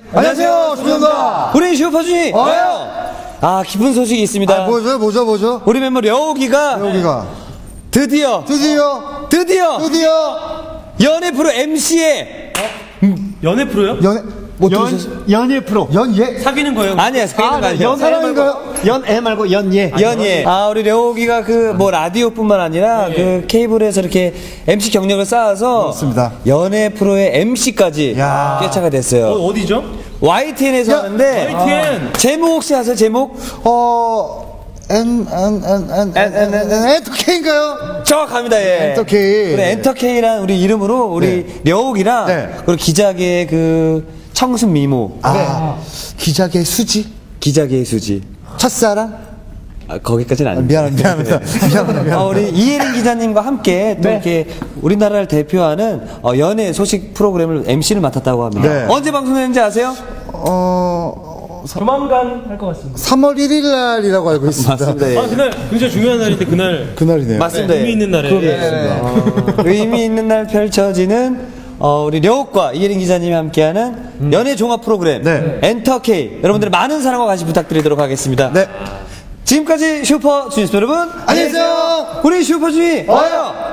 안녕하세요, 조정입니다. 우리 슈퍼주니 와요. 아, 기쁜 소식이 있습니다. 뭐죠? 우리 멤버 려욱이가 드디어 연예 프로 MC에 연애 프로요? 연예 프로. 연예? 사귀는 거예요? 아니야, 사귀는 거 아니에요. 사랑인가요? 연애 말고 연예. 연예. 아, 우리 려욱이가 그 뭐 라디오뿐만 아니라 그 케이블에서 이렇게 MC 경력을 쌓아서 그렇습니다. 연예 프로의 MC까지 꿰차가 됐어요. 어디죠? YTN에서 하는데 YTN. 제목 혹시 아세요? 제목? 엔터케인가요? 정확합니다. 예. 엔터케이. 우리 엔터케이란 우리 이름으로 우리 려욱이랑 그리고 기자계의 그 청순 미모. 기자계 수지. 기자계의 수지. 첫사랑. 거기까지는 아닙니다. 미안합니다. 우리 이혜린 기자님과 함께 또 이렇게 우리나라를 대표하는 연예 소식 프로그램을 MC를 맡았다고 합니다. 언제 방송되는지 아세요? 조만간 할 것 같습니다. 3월 1일 날이라고 알고 있습니다. 맞습니다. 예. 그날 굉장히 중요한 날인데 그날이네요. 맞습니다. 의미 있는 날에. 의미 있는 날 펼쳐지는 우리 려욱과 이혜린 기자님이 함께하는 연예 종합 프로그램 엔터케이, 여러분들의 많은 사랑과 관심 부탁드리도록 하겠습니다. 지금까지 슈퍼주니스 여러분, 안녕히 계세요. 우리 슈퍼주니 와요.